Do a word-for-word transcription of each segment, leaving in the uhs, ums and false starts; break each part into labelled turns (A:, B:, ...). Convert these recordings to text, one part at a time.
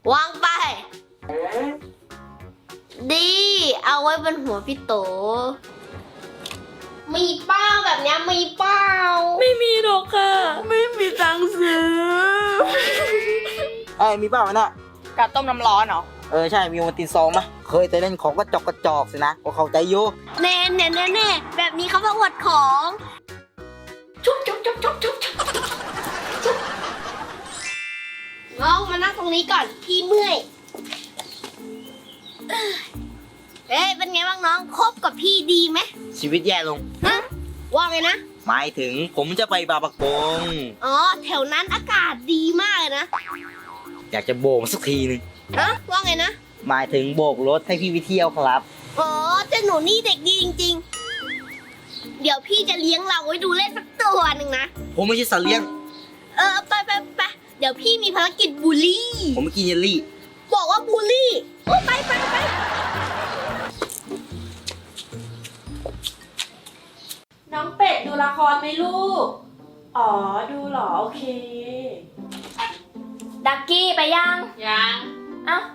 A: วางไปดีเอาไว้บนหัวพี่โตมีเป้าแบบนี้มีเป้า
B: ไม่มีหรอกค่ะ ไม่มีตังค์ซื้อ
C: ไอ้ยมีเปล่าวะน่ะ
B: กาต้มน้ำร้อนเหรอ
C: เออใช่มีโอวัลตินซองมะเคยแต่เล่นของกระจอกกระจอกสินะก็เข้าใจอยู่
A: เน่เน่เน่เน่แบบนี้เขามาอวดของชุบชุบชุบชุบชุบชุบน้องมานั่งตรงนี้ก่อนพี่เมื่อยเอ๊ะเป็นไงบ้างน้องคบกับพี่ดีไหม
C: ชีวิตแย่ลง
A: ฮะว่าไงนะ
C: หมายถึงผมจะไปบาปะกง
A: อ๋อแถวนั้นอากาศดีมากเลยนะ
C: อยากจะโบกสักทีหนึง
A: ฮะว่าไงนะ
C: หมายถึงโบกรถให้พี่ไปเที่ยวครับ
A: อ๋อเจ้าหนูนี่เด็กดีจริงๆเดี๋ยวพี่จะเลี้ยงเราไว้ดูเล่นสักตัวหนึ่งนะ
C: ผมไม่ใช่สัตว์เลี้ยง
A: เออไปไปไปเดี๋ยวพี่มีภารกิจบูลลี่
C: ผมไม่กินเยลลี่
A: บอกว่าบูลลี่โอ้ไปไปไป
B: น้องเป็ดดูละครไหมลูก อ๋อ ดูเหรอ โอเค
D: ดักกี้ไปยัง
B: ยัง
D: เอ้า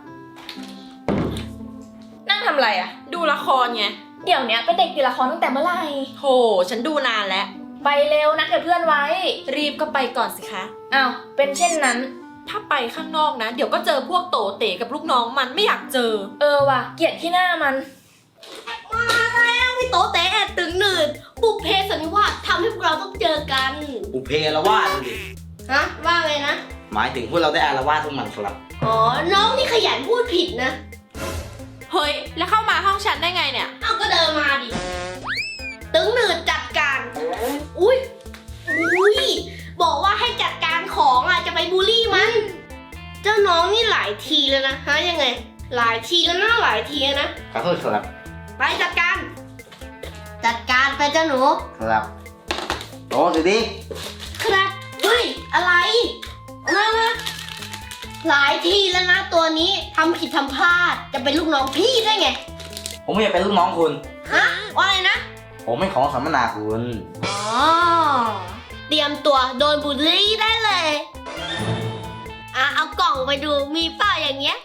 B: นั่งทำอะไรอะดูละครไง
D: เดี๋ยวเนี้ยเป็นเด็กติดละครตั้งแต่เมื่อไหร่
B: โห ฉันดูนานแล้ว
D: ไปเร็วนัดกับเพื่อนไว้
B: รีบก็ไปก่อนสิคะ
D: อ้าวเป็นเช่นนั้น
B: ถ้าไปข้างนอกนะ เดี๋ยวก็เจอพวกโตเต๋กับลูกน้องมันไม่อยากเจอ
D: เออว่ะเกลียดที่หน้ามัน
A: มาแล้วพี่โตเตะแอดตึงหนืดบุพเพสันนิวาสทำให้พวกเราต้องเจอกัน
C: อุเพละวาดดูดิ
A: ฮะว่าไงนะ
C: หมายถึงพวกเราได้อารวาสทุกมันครับ
A: อ๋อน้องนี่ขยันพูดผิดนะ
B: เฮ้ย แล้วเข้ามาห้องฉันได้ไงเนี่ย
A: เอาก็เดินมาดิตึงหนืดจัดการอุ้ยอุ้ยบอกว่าให้จัดการของอ่ะจะไปบูลลี่มัน เจ้าน้องนี่หลายทีแล้วนะฮะยังไง หลายทีแล้วนะหลายทีแล้วนะ
C: ขอโทษครับ
A: ไปจัดการ จัดการไปเจ้าหนู
C: ครับโอ้สิดิ
A: ครับเฮ้ยอะไรมามาหลายทีแล้วนะตัวนี้ทำผิดทำพลาดจะเป็นลูกน้องพี่ได้ไง
C: ผมไม่อยากเป็นลูกน้องคุณ
A: ฮะว่าไงนะ
C: ผมเป็นของสัมมนาคุณ
A: อ๋อเตรียมตัวโดนบูลลี่ได้เลยอ่ะเอากล่องไปดูมีเปล่าอย่างเงี้ย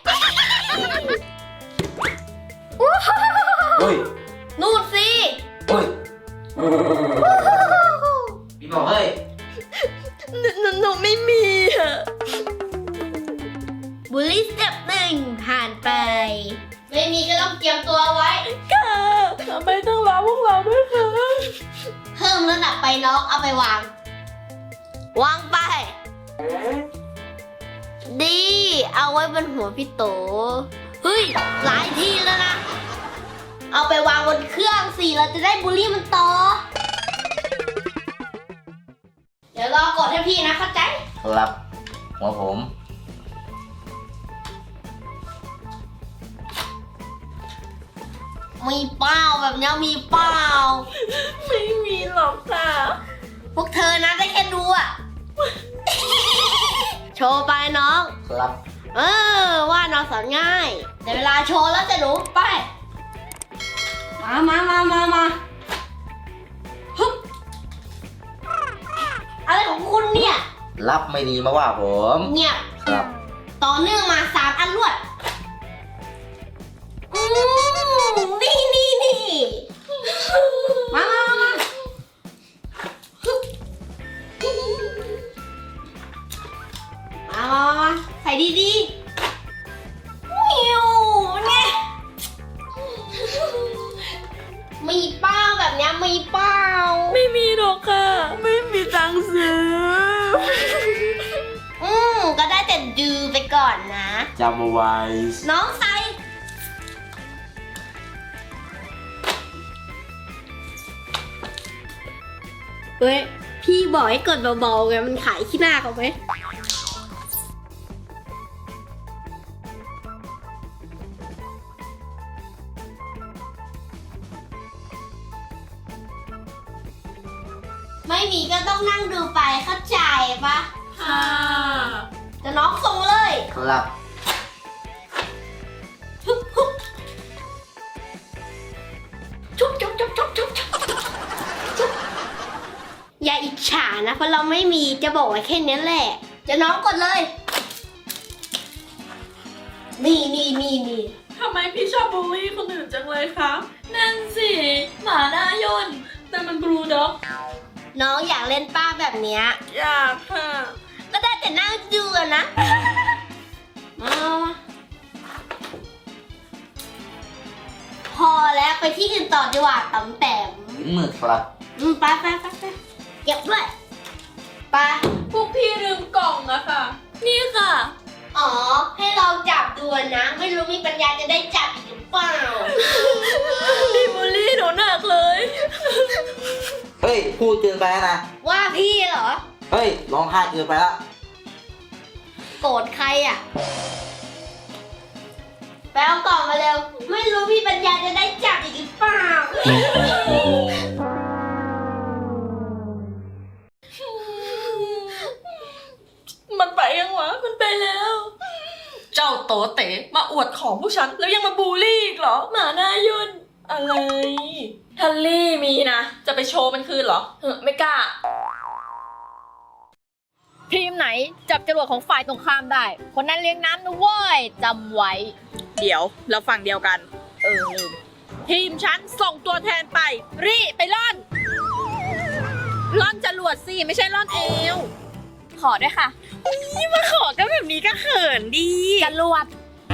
C: เฮ้ย
A: นู่นสิ
C: เฮ้ยพี่บอกเฮ้ย
B: หนูหนูไม่มีอะ
A: บูลลี่สเต็ปหนึ่งผ่านไป ไม่มีก็ต้องเตรียมตัวไว้
B: ค่ะทำไมต้องรอพวกเราด้วยคะ
A: เพิ่มระดับไปน้องเอาไปวาง วางไป ดีเอาไว้บนหัวพี่โตเฮ้ยหลายทีแล้วนะ เอาไปวางบนเครื่องสิเราจะได้บูลลี่มันต่อ เดี๋ยวรอกดให้พี่นะเข้าใจ
C: ครับหัวผม
A: มีเป้าแบบนี้มีเป้า
B: ไม่มีหรอกค่ะ
A: พวกเธอนะได้แค่ดูอะโชว์ไปน้อง
C: ครับ
A: เออว่าน้องสอนง่ายแต่เวลาโชว์แล้วจะหนูไป มามามามามาฮึบอะไรของคุณเนี่ย
C: รับไม่ดีมาว่าผม
A: เงียบ
C: ครับ
A: ต่อเนื่องมาสามอันรวดอืมนี่นี่นี่มามามามาฮึบมามามามาใส่ดีๆมิวเนี่ยมีเป้าแบบเนี้ยมีเป้า
B: ไม่มีหรอกค่ะ ไม่มีตังค์ซื้อ
A: อืมก็ได้แต่ดูไปก่อนนะ
C: จำเอาไว้
A: น้องใส่เฮ้ย พี่บอกให้กดเบาๆไงมันขายขี้หน้าเขาไหมไม่มีก็ต้องนั่งดูไปเข้าใจปะ
B: ค่ะ
A: จะน้องส่งเลย
C: ครับ
A: ฮึบฮึบชุบชุบชุบชุบชุบชุบชุบอย่าอิจฉานะ เพราะเราไม่มีจะบอกไว้แค่นี้แหละ จะน้องกดเลยนี่นี่นี่นี่
B: ทำไมพี่ชอบบูลลี่คนอื่นจังเลยคะ
D: นั่นสิ หมาหน้าย่น
B: แต่มันบลูด็อก
A: น้องอยากเล่นป้าแบบเนี้ย
B: อยากค่ะ
A: ก็ได้แต่นั่งดูอะนะ มามาพอแล้วไปที่อื่นต่อดีกว่าตำแต้ม
C: ถึงมือครับ
A: อืมไปไปไปไปเก็บด้วยไป
B: พวกพี่ลืมกล่องอะค่ะ
D: นี่ค่ะ
A: อ๋อ ให้เราจับดูนะ ไม่รู้มีปัญญาจะได้จับอีกหรือเปล่า
D: พี่บูลลี่หนูหนักเลย
C: เฮ้ย พูดเกินไปแล้วนะ
A: ว่าพี่เหรอ
C: เฮ้ย ร้องไห้เกินไปแล้ว
A: โกรธใครอ่ะไปเอากล่องมาเร็ว ไม่รู้พี่ปัญญาจะได้จับอีกหรือเปล่า
B: มันไปยังวะ มันไปแล้ว เจ้าโตเต๋มาอวดของผู้ฉัน แล้วยังมาบูลลี่อีกเหรอ หมาหน้าย่นอะไร
D: ทัลลี่มีนะ
B: จะไปโชว์มันคืนเหรอ
D: เออไม่กล้า
E: ทีมไหนจับจรวดของฝ่ายตรงข้ามได้ คนนั้นเลี้ยงน้ำนะเว้ยจำไว้
B: เดี๋ยวเราฝั่งเดียวกัน
E: เออลืม
B: ทีมฉันส่งตัวแทนไป รีไปล่อน ล่อนจรวดสิ ไม่ใช่ล่อนเอว
E: ขอด้วยค่ะ
B: นี่มาขอกันแบบนี้ก็เขินดี
E: จรวด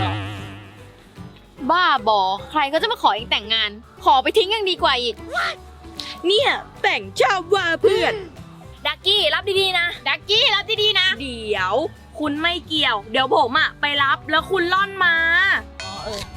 E: บ้าบอ ใครก็จะมาขอเองแต่งงาน ขอไปทิ้งยังดีกว่าอีก
B: เนี่ยแต่งชาวว่าเพื่อน
E: ดักกี้รับดีๆนะ ดักกี้รับดีๆนะ
B: เดี๋ยว คุณไม่เกี่ยว เดี๋ยวผมอะไปรับแล้วคุณล่อนมา
E: อ๋อเออ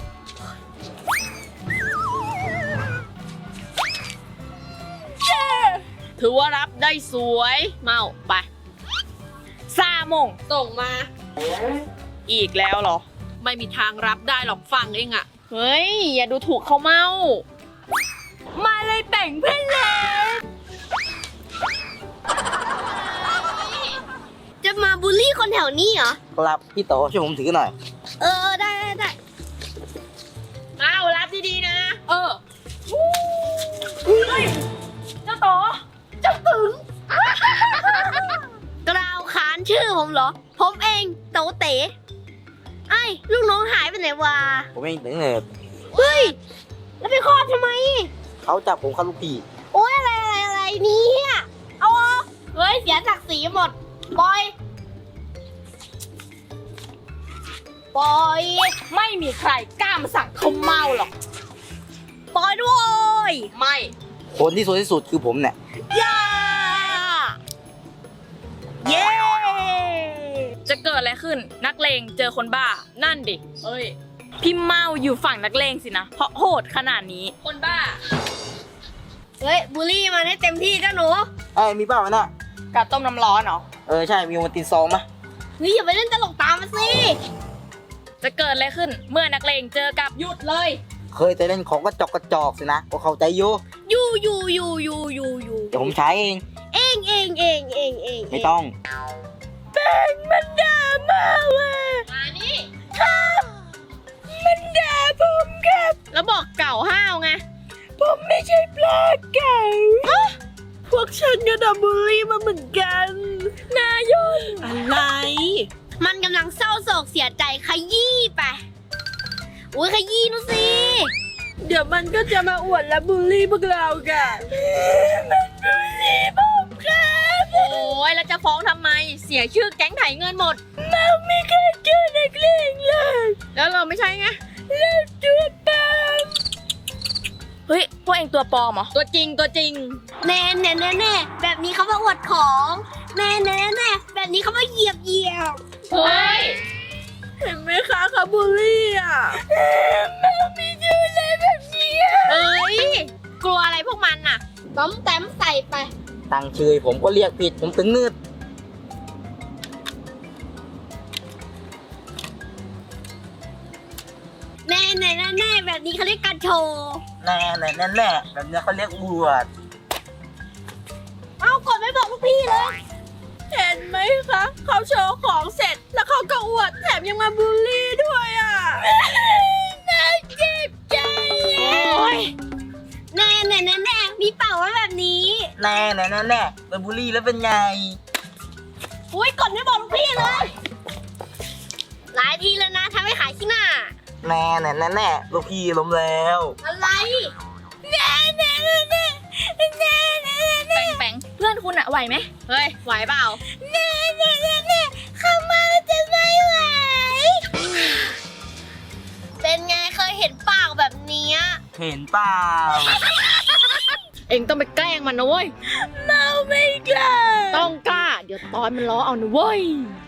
B: ถือว่ารับได้สวย
E: เมาไป
B: ซาโมงส่งมา อีกแล้วเหรอ ไม่มีทางรับได้หรอกฟังเองอะ
E: เฮ้ย อย่าดูถูกเขาเมา
B: มาเลยแต่งเพื่อนเลย
A: จะมาบูลลี่คนแถวนี้เหรอ
C: ครับ พี่โตช่วยผมถือหน่อย
A: เออ ได้ได้ได้
B: เอารับดีๆนะ
E: เออ
D: เจ้าโต
A: กล่าวขานชื่อผมเหรอ ผมเองโตเต๋ไอ้ยลูกน้องหายไปไหนวะ
C: ผมเองถึงเนิบ
A: เฮ้ย แล้วไปคลอดทำไม
C: เขาจับผมเข้าลูกพี่
A: โอ๊ยอะไรอะไรอะไรเนี่ยเอาออกเฮ้ย เสียศักดิ์ศรีหมด ปล่อย ปล่อย
E: ไม่มีใครกล้ามาสั่งเขาเมาหรอก
A: ปล่อยด้วย
B: ไม่
C: คนที่สวยที่สุดคือผมเนี่ย
A: ย่า เย้
E: จะเกิดอะไรขึ้น นักเลงเจอคนบ้า นั่นดิ
B: เอ้ย
E: พี่เมาอยู่ฝั่งนักเลงสินะ เพราะโหดขนาดนี้
B: คนบ้า
A: เฮ้ยบูลลี่มันให้เต็มที่จ้าหนู
C: เอ้ย มีเปล่าวะน่ะ
E: กาต้มน้ำร้อนเหรอ
C: เออ ใช่ มีโอวัลตินซองมะ
A: เฮ้ยอย่าไปเล่นตลกตามมาสิ
E: จะเกิดอะไรขึ้น เมื่อนักเลงเจอกับ
B: หยุดเลย
C: เคยแต่เล่นของกระจอกกระจอกสินะก็เข้าใจอยู่
A: อยู่อยู่อยู่อยู่อยู่อยู่
C: เดี๋ยวผมใช้เอง
A: เองเองเองเองเอง
C: ไม่ต้อง
B: มันด่ามาว่ะ
E: มานี่
B: มันด่าผมครับ
E: แล้วบอกเก่าห้าวไง
B: ผมไม่ใช่ปลาเก๋าพวกฉันก็โดนบูลลี่มาเหมือนกัน นายนอะไร
A: มันกำลังเศร้าโศกเสียใจขยี้ไปอุ้ยขยี้นูสิ
B: เดี๋ยวมันก็จะมาอวดและบูลลี่พวกเรากันมันบูลลี่ผมครับ
E: โอ้ยแล้วจะฟ้องทำไม เสียชื่อแก๊งไถเงินหมด
B: เราไม่เคยเจอนักเลงเลย
E: แล้วเราไม่ใช่ไง
B: เราตัวปลอม
E: เฮ้ย พวกเองตัวปลอมเหรอ
B: ตัวจริงตัวจริง
A: แน่แน่แน่แน่แบบนี้เขามาอวดของแน่แน่แน่แบบนี้เขามาเหยียบเหยียบ
E: เฮ้ย
B: เห็นไหมคะเขาบูลลี่อ่ะแม่ไม่ดูเลยแบบนี้
E: เอ้ย กลัวอะไรพวกมันน่ะ
A: ต้มแต้มใส่ไป
C: ตั้งชื่อให้ผมก็เรียกผิด ผมถึงนืด
A: แน่แน่แน่แน่แบบนี้เขาเรียกการโชว์
C: แน่แน่แน่แน่แบบนี้เขาเรียกบวช
A: เอ้ากดไม่บอกลูกพี่เลย
B: เห็นไหมคะเขาโชว์ของเสร็จแล้วเขาก็อวดแถมยังมาบูลลี่ด้วยอ่ะน่าเจ็บใจ
A: โอ้ยแน่แน่แน่แน่มีเป่าไว้แบบนี้
C: แน่แน่แน่แน่เป็นบุลลี่แล้วเป็นไง
A: อุ้ยกดไม่บอกลูกพี่เลย หลายทีแล้วนะทำให้ขายขี้หน้า
C: แน่แน่แน่แน่ลูกพี่ล้มแล้ว
A: อะไร
E: แปงแปงเพื่อนคุณอะไหวไหมเฮ้ย ไหวเปล่า
A: เข้ามาจะไม่ไหว เป็นไงเคยเห็นปากแบบเนี้ย
C: เห็นเปล่า
E: เองต้องไปแกล้งมันนะเว้ย
A: เราไม่กล้า
E: ต้องกล้า เดี๋ยวตอนมันล้อเอานะเว้ย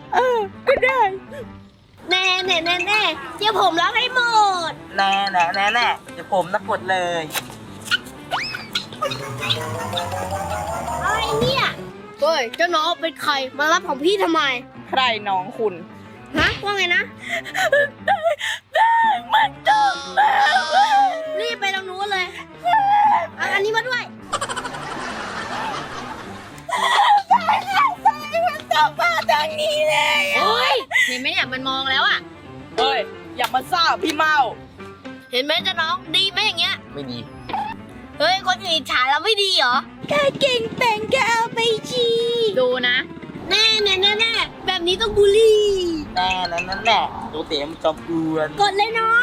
A: แน่แน่แน่แน่เดี๋ยวผมรับให้หมด
C: แน่แน่แน่แน่เดี๋ยวผมนักกดเลย
A: อะไรเนี่ย เฮ้ย เจ้าน้องเป็นใคร มารับของพี่ทำไม
B: ใครน้องคุณ
A: ฮะ ว่าไงนะมันจบแล้วรีบไปตรงนู้นเลยเอาอันนี้มาด้วย
E: โอ้ย เห็นไหมเนี่ยมันมองแล้วอะ
B: เฮ้ย อย่ามาซ่าพี่เมา
A: เห็นไหมเจ้าน้องดีไหมอย่างเงี้ย
C: ไม่ดี
A: เฮ้ย คนอื่นอิจฉาเราไม่ดีเหรอแค่เก่งแต่งแกเอาไปชี
E: ดูนะ
A: แน่แน่แน่แน่แบบนี้ต้องบูลลี่
C: แน่แน่แน่แน่ตัวเต๋มันจอมกวน
A: กดเลยน้อง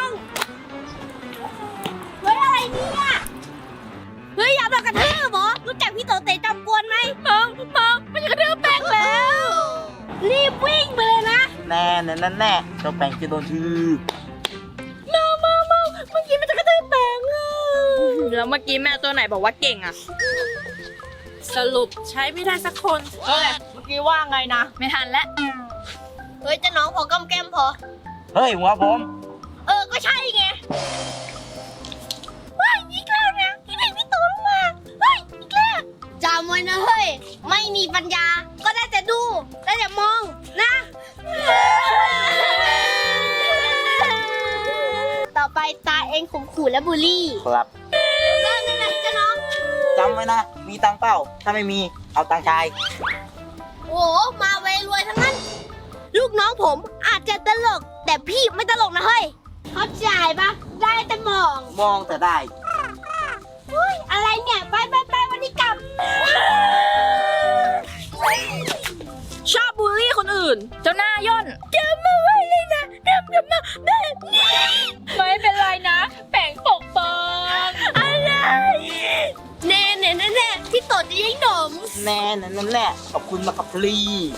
A: เฮ้ย อะไรเนี่ย เฮ้ย อย่ามากระทืบเหรอรู้จักพี่โตเตะจอมกวนไหมมองมองมันจะกระทืบแป้งแล้ว รีบวิ่งไปเลยนะ
C: แน่แน่แน่แน่เจ้าแปงจะโดนทืบ
A: เมาเมาเมาเมื่อกี้มันจะกระทืบแป้งอ่ะ
B: แล้วเมื่อกี้แมวตัวไหนบอกว่าเก่งอะสรุปใช้ไม่ได้สักคน เฮ้ย เมื่อกี้ว่าไงนะ
E: ไม่ทันแล้ว
A: เฮ้ยเจะน้องพอกำแก้มพอ
C: เฮ้ยหัวผม
A: เออ ก็ใช่ไงเฮ้ยอีกแล้วนะที่ไหนพี่โตลงมาเฮ้ยอีกแล้วจำไว้นะเฮ้ย ไม่มีปัญญา ก็ได้แต่ดู ได้แต่มองนะ ต่อไปตาเองข่มขู่และบูลลี่
C: ครับ
A: เริ่มได้เลยเจ้าน้อง
C: จำไว้นะ มีตังค์เปล่า ถ้าไม่มี เอาตังค์ชาย
A: โอ้โหมาเวรวยทั้งนั้น ลูกน้องผมอาจจะตลก แต่พี่ไม่ตลกนะเฮ้ย เข้าใจปะได้แต่มอง
C: มองแต่ได้
A: อุ้ยอะไรเนี่ย ไปไปไปวันนี้กลับ
B: ชอบบูลลี่คนอื่น
E: เจ้าหน้าย่น
A: จำมาไว้เลยนะจำจำมาแบบนี้
E: ไม่เป็นไรนะ แปงปกป้อง
A: อะไรแน่แน่แน่แน่พี่โตจะยังหนม
C: แน่แน่แน่แน่ขอบคุณมากครับพลี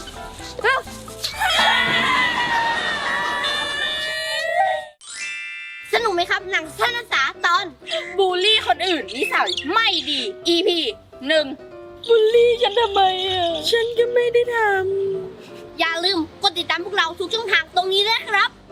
A: สนุกไหมครับหนังสั้นภาษาตอน
B: บูลลี่คนอื่นนิสัยไม่ดี อี พี หนึ่งบูลลี่ฉันทำไมอ่ะ ฉันก็ไม่ได้ทำ
A: อย่าลืมกดติดตามพวกเราทุกช่องทางตรงนี้ด้วยนะครับ